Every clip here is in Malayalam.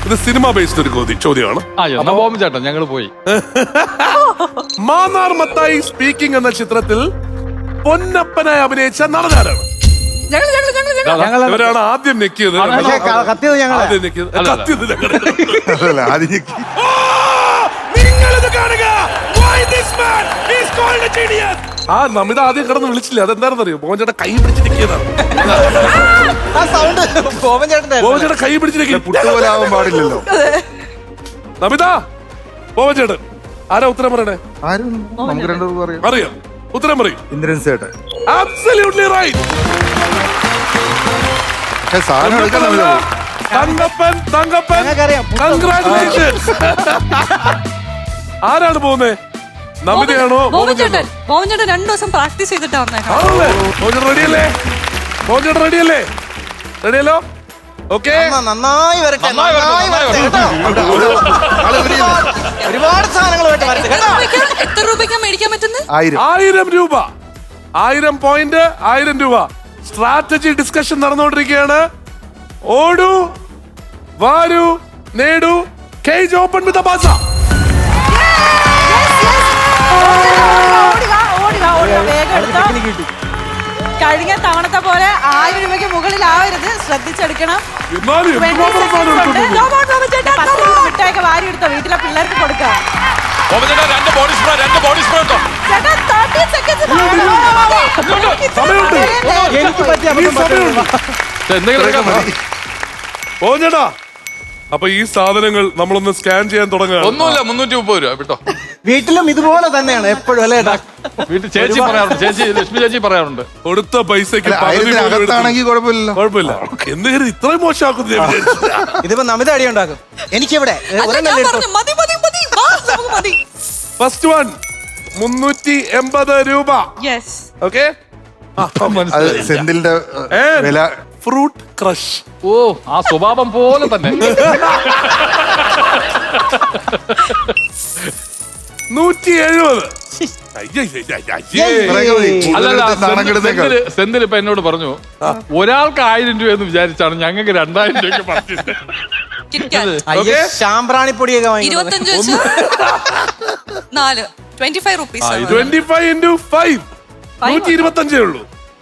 ഇത് സിനിമ ബേസ്ഡ് ഒരു ചോദ്യമാണ്. ചേട്ടൻ ഞങ്ങൾ പോയി. മാന്നാർ മത്തായി സ്പീക്കിംഗ് എന്ന ചിത്രത്തിൽ പൊന്നപ്പനായി അഭിനയിച്ച നടനാരാണ്? ഇവരാണ് ആദ്യം നെക്കിയത്. കത്തിയത് നിങ്ങളിത് കാണുക. Why this man is called a genius? ആ നമിത ആദ്യം കിടന്ന് വിളിച്ചില്ലേ, അതെന്താണെന്ന് അറിയോ? മോഹൻചേട്ടൻ കൈ പിടിച്ച് നിൽക്കിയതാണ്. മോഹൻചേട്ടൻ കൈ പിടിച്ച് പുട്ടുപോലാവാൻ പാടില്ലല്ലോ. നമിത, മോഹൻചേട്ടൻ ആരാ ഉത്തരം പറയണേ? നമുക്ക് രണ്ടുപേർക്കും അറിയാം. അറിയാം, ഉത്തരം പറയും. ഇന്ദ്രൻ സേട്ടൻ. Absolutely right. സാധനം എടുക്കാൻ തങ്കപ്പൻ, കൺഗ്രാറ്റുലേഷൻസ്. ആരാണ് പോകുന്നത്? നമിതയാണോ? മോഹൻചേട്ടൻ 2 ദിവസം പ്രാക്ടീസ് ചെയ്തിട്ടാ വന്നേക്കാം. റെഡിയല്ലേ? മോഹൻചേട്ടൻ റെഡിയല്ലേ? റെഡിയല്ലോ? ഓക്കെ, നന്നായി വരട്ടെ. ഒരുപാട് സാധനങ്ങൾ എത്ര രൂപയ്ക്കാ മേടിക്കാൻ പറ്റുന്നത്? 1000 രൂപ. 1000 പോയിന്റ്, 1000 രൂപ. സ്ട്രാറ്റജി ഡിസ്കഷൻ നടന്നുകൊണ്ടിരിക്കുകയാണ്. ഓടൂ, വാരൂ, നേടൂ. കേജ് ഓപ്പൺ വിത്ത് ബാസ. കഴിഞ്ഞ തവണത്തെ പോലെ 1000 രൂപയ്ക്ക് മുകളിലാവരുത്, ശ്രദ്ധിച്ചെടുക്കണം. മിഠായിക്ക് വാരി എടുത്തോ, വീട്ടിലെ പിള്ളേർക്ക് കൊടുക്കാം. ചേട്ടാ, അപ്പൊ ഈ സാധനങ്ങൾ നമ്മളൊന്ന് സ്കാൻ ചെയ്യാൻ തുടങ്ങുക. ഒന്നുമില്ല, 330 രൂപ കേട്ടോ. വീട്ടിലും ഇതുപോലെ തന്നെയാണ് എപ്പോഴും അല്ലേ? വീട്ടിൽ ചേച്ചി പറയാറുണ്ട്, ലക്ഷ്മി ചേച്ചി പറയാറുണ്ട്, കൊടുത്ത പൈസക്ക് കുഴപ്പമില്ല. കുഴപ്പമില്ല. എന്ത് കരുതി ഇത്രയും മോശമാക്കുന്നു? ഇതിപ്പോ നമിത അടി ഉണ്ടാക്കും. എനിക്കിവിടെ ഫസ്റ്റ് വൺ 380 രൂപ. ഓക്കെ, സെന്തിലിന്റെ വില. Fruit crush. ഓ, ആ സ്വഭാവം പോലെ തന്നെ. 170. സെന്തിൽ ഇപ്പൊ എന്നോട് പറഞ്ഞു, ഒരാൾക്ക് 1000 രൂപ എന്ന് വിചാരിച്ചാണ് ഞങ്ങൾക്ക് 2000 രൂപയ്ക്ക് പറിച്ചത്. ശാമ്പ്രാണിപ്പൊടിയൊക്കെ 25 വെച്ച് 4 25 റുപ്പീസ്. 25 into 5 125 ഉള്ളൂ.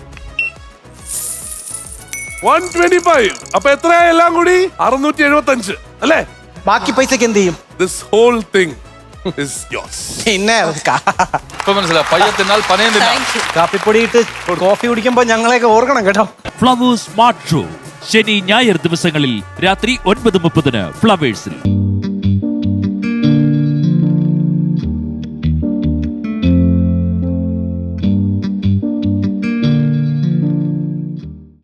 125. അപ്പൊ എത്രയാ എല്ലാം കൂടി? 675 അല്ലേ? ബാക്കി പൈസക്ക് എന്ത് ചെയ്യും? This whole thing is yours. പിന്നെ മനസ്സിലായി, പയ്യത്തിനാൽ പനയം തിന്നാം. കാപ്പിപ്പൊടി ഇട്ട് കോഫി കുടിക്കുമ്പോ ഞങ്ങളെയൊക്കെ ഓർക്കണം കേട്ടോ. ഫ്ലവേഴ്സ് സ്മാർട്ട് ഷോ ശനി ഞായർ ദിവസങ്ങളിൽ രാത്രി 9:30 ഫ്ലവേഴ്സിൽ.